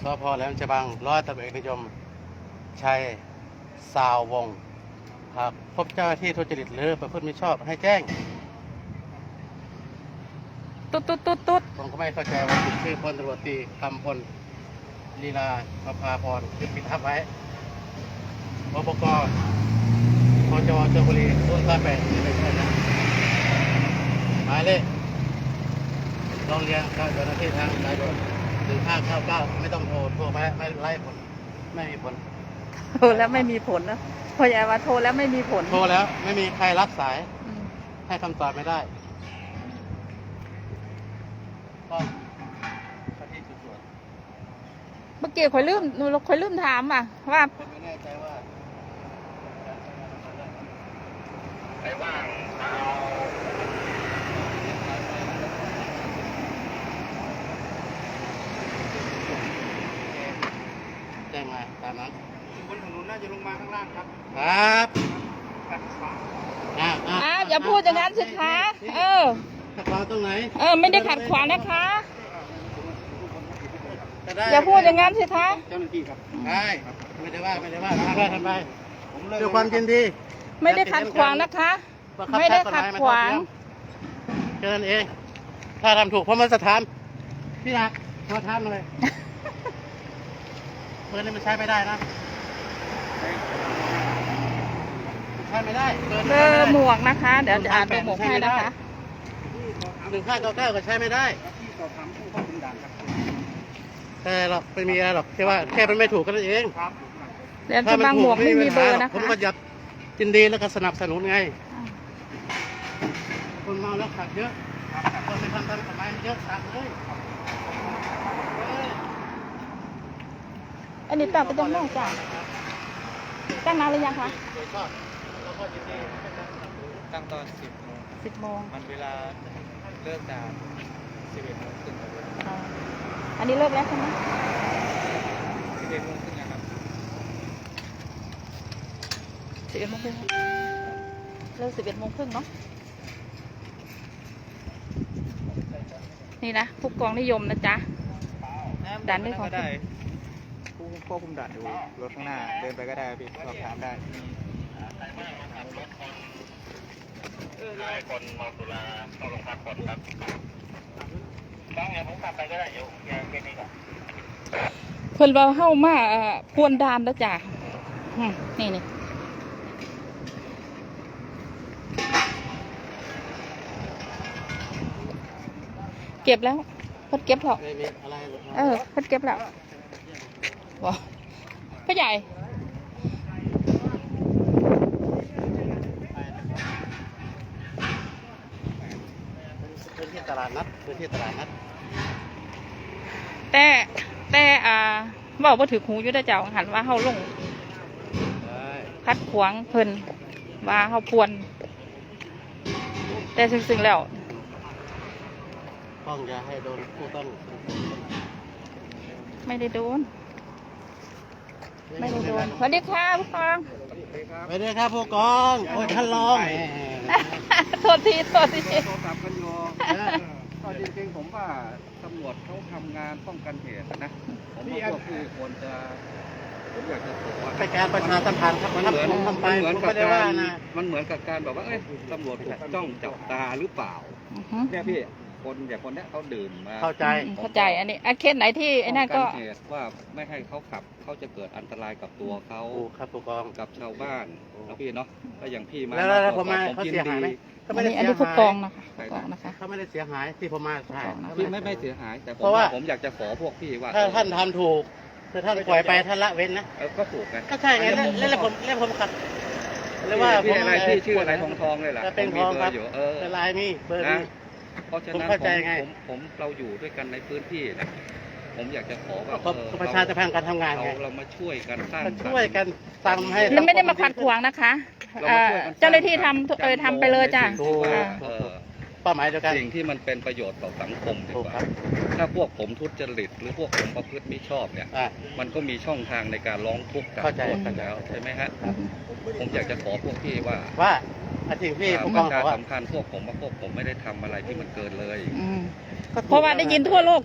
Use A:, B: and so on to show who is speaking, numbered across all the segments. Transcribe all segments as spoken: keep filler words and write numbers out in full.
A: สพ.แหลมฉบังร้อยตำรวจเอกนิยมชัยสาววงศ์หากพบเจ้าหน้าที่ทุจริตหรือประพฤติมิชอบให้แจ้ง
B: ตุ๊ดตุ๊ดตุ๊ดตุ๊ด
A: ผมก็ไม่เข้าใจว่าชื่อพลตำรวจตรีคำพลลีลาประภาพรคือปิดทับไว้ปปกพจวชลบุรีรุ่นสามแปดไม่ใช่นะหมายเลขโรงเรียนเจ้าหน้าที่ทางสายด่วนหนึ่งห้าเก้าเก้าไม่ต้องโทรโทรไปไม่ไล่ผลไม่มีผล
B: โทรแล้วไม่มีผลนะพอใหญ่ว่าโทรแล้วไม่มีผล
A: โทรแล้วไม่มีใครรับสายให้คำตอบไม่ได้ก็ที่จุดตรวจ
B: เมื่อกี้คอยลืมหนูคอยลืมถามอ่ะว่า
A: ผมไม่แน่ใจว่าใครว่างเอาแจ้งมาตามนั้นบนถนนน่าจะลงมาข้างล่างครับครับอ่า
B: อ่าอย่าพูดอย่างนั้นสิคะเออ
A: ขัดขวางตรงไหน
B: เออไม่ได้ขัดขวางนะคะอย่าพูดอย่างนั้นสิคะ
A: เจ้าหน้าที่ครับใช่ไม่ได้ว่าไม่ได้ว่าทำไปทำไปด้วยความยินดี
B: ไม่ได้ขัดขวางนะคะไม่ได้ขัดขวาง
A: แค่นั้นเองถ้าทำถูกเพราะมันสถานพี่นักมาทำเลยเปิดนี่มันใช้ไม่ได้นะใช้ไม่ได้
B: เบอร์หมวกนะคะเดี๋ยวจะอ่านตัวหมวกให้นะคะ
A: หนึ่งห้าเก้าเก้าก็ใช้ไม่ได้แต่หรอกไม่มีอะไรหรอกแค่ว่าแค่มันไม่ถูกกันเอง
B: เดี๋ยวจะบางหมวกไม่มีเบอร์นะคะ
A: ผมก็ยับยินดีแล้วก็สนับสนุนไงคนเมาแล้วขับเยอะคนไปทำตามกฎหมายเยอะขับเลย
B: อันนี้ตัดไปตรงนอกจ้ะตั้งนานหรือยังคะ
C: ตั้งตอนสิบโมง
B: สิบโมง
C: มันเวลาเลิกด่านสิบเอ็ดโมงครึ่ง
B: อันนี้เลิกแล้วใช่ไหม
C: สิบเอ็ดโมงครึ่งนะครับ
B: สิบเอ็ดโมงครึ่งเลิกสิบเอ็ดโมงครึ่งเนาะนี่นะผู้กองนิยมนะจ๊ะด่านนี้ของ
C: ได้ผู้ควบคุมด่านอยู่รถข้างหน้าเดินไปก็ได้พี่สอบถามได้
A: คนเมาสุราเข้าโรงพักก่อนครับบางอย่างผมกลับไปก็ได้อยู่แค่นี้ก่อน
B: เพิ่นเราเข้ามาพวนดานแล้วจ้ะนี่นี่เก็บแล้วเพิ่นเก็บหรอกเออเพิ่นเก็บแล้วว้าพ่อใหญ่
A: พื้นที่ตลาดนัดพื้นที่ตลาดนัด
B: แต่แต่อ่าบอกว่าถือหูอยู่ได้เจ้าหันว่าเขาลงคัดขวางเพิ่นว่าเขาพวนแต่ซึ่งๆแล้ว
A: ต้องอย่าให้โดนผู้ต้อง
B: ไม่ได้โดนไม่ได้โดนสวัสดีค่ะผู้กอง
A: สวัสดีครับผู้กองโอ้ยท่านรอง
B: โทษทีโทษที
D: โทรศัพท์กันอยู่ก็จริงๆผมว่าตำรวจเขาทำงานป้องกันเหตุนะผมว่าพวกพี่ควรจะผมอยากจะบอกว่า
A: เป็นการประชาสัมพันธ์ครับมันเหมือนทำไป
D: เหมือนกับการมันเหมือนกับการแบบว่าเอ้ยตำรวจถูกจ้องจับตาหรือเปล่าเนี่ยพี่คนอย่างคนนี้เขาดื่มมา
A: เข้าใจ
B: เข้าใจอันนี้เคสไหนที่ไอ้นั่นก็
D: เหตุว่าไม่ให้เขาขับเขาจะเกิดอันตรายกับตัวเขา
A: ครับผู้กอง
D: กับชาวบ้านแล้วพี่เนาะแล้วอย่างพี่มา
A: แล้วผมมาเขาเสียหายไหม
B: อันนี้อันนี้ผู้กองนะคะผู้กองนะคะ
A: เขาไม่ได้เสียหายที่ผมมาใช่
D: พี่ไม่ไม่เสียหายแต่ผมผมอยากจะขอพวกพี่ว่า
A: ถ้าท่านทำถูกถ้าท่านปล่อยไปท่านละเว้นนะ
D: ก็ถูกไง
A: ก็ใช่ไงแล้วแล้วผมแล้วผมขัด
D: หรือว่าพี่อะไรพี่ชื่ออะไรทองทองเลยล่ะ
A: เป็นทองครับเออลายมีเบอร์นี้
D: เพราะฉะนั้นผมผมเราอยู่ด้วยกันในพื้นที่นะผมอยากจะขอว่า
A: ประชาชนการทำงานไง
D: เรามาช่วยกันสร้าง
A: ช่วยกันทำให้
B: มันไม่ได้มาขัดขวางนะคะเจ้าหน้าที่ทำเออทำไปเลยจ้ะ
A: เป้าหมายเดียวกัน
D: สิ่งที่มันเป็นประโยชน์ต่อสังคมดีกว่าถ้าพวกผมทุจริตหรือพวกผมประพฤติไม่ชอบเนี่ยมันก็มีช่องทางในการร้องทุกข์กันแล้วใช่ไหมฮะผมอยากจะขอพวกพี่ว่า
A: ว่าอาทิตย์พี่ผม
D: ต้องการสำคัญพวกผมว่าพวกผมไม่ได้ทำอะไรที่มันเกินเลย
B: เพราะว่าได้ยินทั่วโลกจ้ะ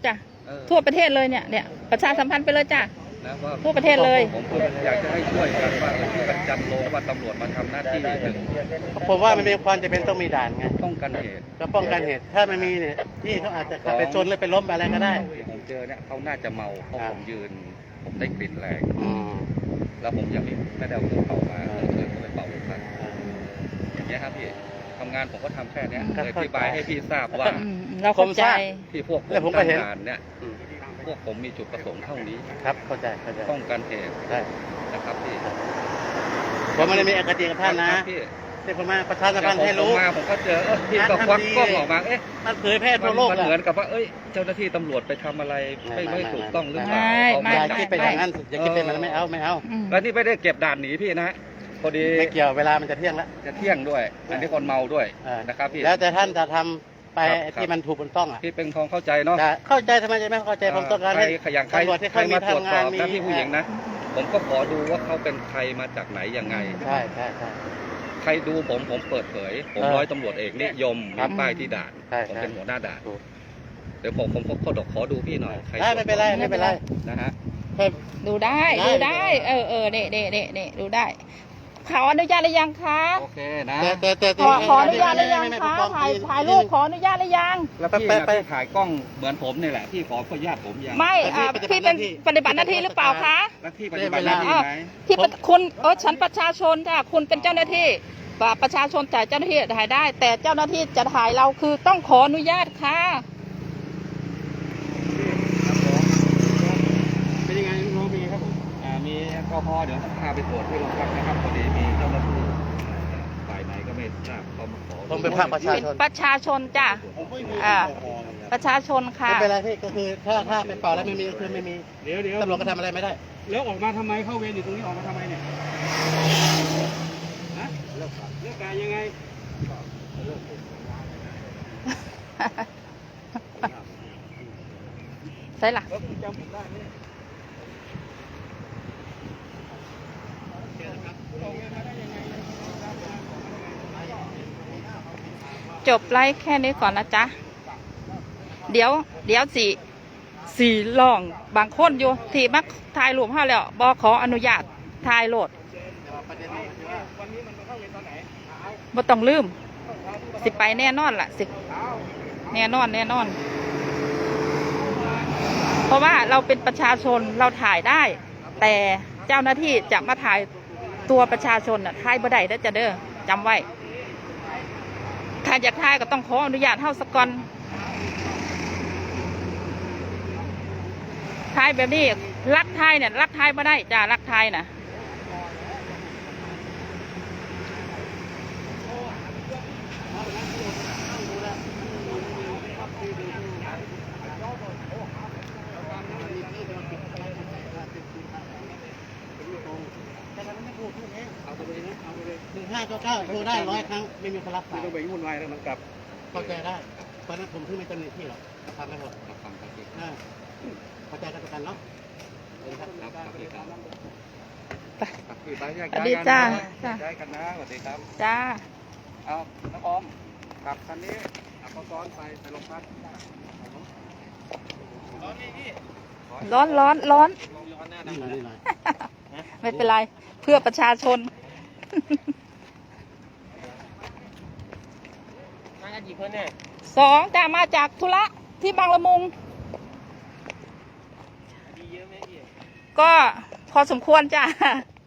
D: เออ
B: ทั่วประเทศเลยเนี่ยเนี่ยประชาสัมพันธ์ไปเลยจ้ะ
D: นะว่า
B: ทั่วประเทศเลย
D: ผมก็อยากจะให้ช่วยกันว่าเออช่วยกันจัดโลงว่าตำรวจมาทำหน้าที่หนึ่ง
A: ผมว่ามันมีความจำเป็นต้องมีด่านไง
D: ป้องกันเหตุ
A: ก็ป้องกันเหตุ ถ้ามันมีเนี่ยที่เขาอาจจะขับไปชนหรือไปล้มอะไรก็ได้
D: ที่ผมเจอเนี่ยเขาน่าจะเมาเพราะ
A: ครับ
D: ผมยืน ผมได้กลิ่นแรง
A: อืม
D: แล้วผมยังไม่ไม่ได้เอาเครื่องเป่ามาเลยเกิดไปเป่าลงไปอย่างเงี้ยครับพี่ทำงานผมก็ทำแค่เนี้ย
A: ครับ
D: เลยอธิบายให้พี่ทราบว่า
B: อืมเราเข้าใจ
D: ที่พวกผม
A: แล้วผมก็เห็น
D: ทำงานเนี่ย
A: อืม
D: พวกผมมีจุดประสงค์เท่านี้
A: ครับเข้าใจเข้าใจ
D: ป้องกันเหตุ
A: ใช่
D: นะครับพี่
A: ผมไม่ได้มีอคติกับท่านนะครับ
D: พี่
A: ที่ผมมาประชาสัม
D: แต่
A: พันธ์
D: ผม
A: ให้รู้
D: มาผมก็เจอเออพี่ก็ควักกล้องออกมาเอ๊ะ
A: มันเผยแพร่
D: มั
A: ทั่
D: น
A: วโลก
D: มัน
A: อะ
D: เหมือนกับว่าเอ้ยเจ้าหน้าที่ตำรวจไปทำอะไรไม่
A: ไม่
D: ไม่
A: ไม่
D: ถูกต้องหรือเปล่า
B: ไม่
D: เอา
B: ไม่
A: อย่า
D: จับ
A: คิดไปอย่างนั้นอย่าคิดเป็นแบบนั้นไม่เอาไม่เอา
B: อืม
D: แล้วนี่ไม่ได้เก็บด่านหนีพี่นะ พอดี
A: ไม่เกี่ยวเวลามันจะเที่ยงแล้ว
D: จะเที่ยงด้วย อันนี้คนเมาด้วย
A: เออ
D: นะครับพี่
A: แล้วแต่ท่านจะทำไป
D: ครับ
A: ที่มันถูกมันต้องอ่ะ
D: พี่เป็นทองเข้าใจเนาะ
A: จะเข้าใจทำไมจะไม่เข้าใจผมต้องการ
D: ใคร
A: ให้
D: ขยันใคร
A: ตำรวจที่
D: ใคร
A: เขามี
D: มาตรวจ
A: ทำ
D: ส
A: งา
D: อน บ
A: มี
D: นะพี่ผู้หญิงนะ ผมก็ขอดูว่าเขาเป็นใครมาจากไหนยังไง
A: ใช่ใช่ใช่
D: ใครดูผมผมเปิดเผย ผม
A: เออ
D: ร้อยตำรวจเอกนิยม
A: ครั
D: มี
A: บ
D: ป้ายที่ด่าน
A: ใช่
D: ผม
A: ใช่
D: เป็นหัวหน้าด่าน
A: ถูก
D: เดี๋ยวผมผมผมขอดขอดูพี่หน่อยใคร
A: ได้ไม่เป็นไรไม่เป็นไร
D: นะฮะ
A: แค่
B: ดูได้
A: ได้
B: ดูได้ เออเออเด็เด็เด็เด็ดูได้ขออนุญาตหรือยังคะ
D: โอเคนะ
A: แต่แต่แต่
B: ขอขออนุญาตหรือยัง
A: ไม่ไม่
B: คะ
A: ไม่
B: ถ่าย
A: ไม่
B: ถ่ายรูปขออนุญาตหรือยัง
D: แล้วพี่
A: ไป
D: นะ
A: ไป
D: พี่ถ่ายกล้องเหมือนผมนี่แหละพี่ขออนุญาตผมยัง
B: ไม่
A: แต่
B: อ่า
A: พี่
B: พี่
A: ป
B: เป็
A: ฏิ
B: น
A: บัติหน้าที่
B: ปฏิบัติหน้าที่หรือเปล่าคะ
D: แล้วพี่ปฏิบัติหน้าที่ไหม
B: ที่ปฏิคุณเออฉันประชาชนถ้าคุณเป็นเจ้าหน้าที่ว่าประชาชนจ่ายเจ้าหน้าที่ถ่ายได้ แต่เจ้าหน้าที่จะถ่ายเราคือต้องขออนุญาตค่ะ
A: เป็นยังไงน้องมีครับผม
D: อ่ามีแอลกอฮอล์เดี๋ยวผมพาไปตรวจที่โรงพักนะครับพอดีมีเจ้าหน้าที่ฝ่ายไหนก็ไม่ทราบเขามาขอ
A: ผมเป็นภาคประชา
B: เป็น
A: ชน
B: ประชาชนจ้ะ อ่า ประชาชนค่ะ
A: ไม่เป็นไรพี่ก็คือถ้าถ้าไปเป่าแล้วไม่มีก็คือไม่มี
C: เดี๋ยวเดี๋ยว
A: ตำรวจก็ทำอะไรไม่ได้
C: แล้วออกมาทำไมเข้าเวรอยู่ตรงนี้ออกมาทำไมเนี่ยฮะเลิกเลิกการยังไง
B: ใช่ล่ะ
C: แล้วคุณจำผมได้ไหม
B: จบไลฟ์แค่นี้ก่อนนะจ๊ะ เดี๋ยว เดี๋ยวสี่สี่ลองบางคนอยู่ที่มักถ่ายรูปให้แล้วบอขออนุญาตถ่ายโหลดบ่ต้องลืม สิไปแน่นอนล่ะสิแน่นอนแน่นอน เพราะว่าเราเป็นประชาชนเราถ่ายได้ แต่เจ้าหน้าที่จะมาถ่ายตัวประชาชนน่ะถ่ายบ่ได้เด้อจ้ะเด้อจำไว้ ถ้าอยากถ่ายก็ต้องขออนุญาตเฮาสกก่อนถ่ายแบบนี้ลักถ่ายเนี่ยลักถ่ายบ่ได้จ้าลักถ่ายน่ะ
A: หนึ่งห้าเก้าเก้าโทรได้ร้อยครั้งไม่มีคนรับสาย
C: ต้องไปวุ่นวายแล้วมันกลับ
A: เข้าใจได้เพราะนั้นผมเพิ่งไม่เจ้าหน้าที่หรอกทำไม่หมด
D: ครับฟังครับพี่
A: อ่าเข้าใจกันกันเนาะเชิญครับ
D: ครับครับพี่ครับ
B: ไป
D: ครับพี่ไปแยก
B: สวัส
D: ย้าย
B: ดี
D: กัน
B: จ้า
D: นะ
B: จ้า
D: ย้ายกันนะสวัสดีครับ
B: จ้า
D: เอาน้องอมขับคันนี้เอาเขาซ้อนไปไปโรงพัก
B: ร้อนร้อนร้อน
A: นี่หน่อยนี่หน่อย
B: ไม่เป็นไร เพื่อประชาชน
A: มากันกี่คนเนี่ย
B: สองจ้ามาจากธุระที่บางละมุง
A: ดีเยอะไหมพี่
B: ก็พอสมควรจ้า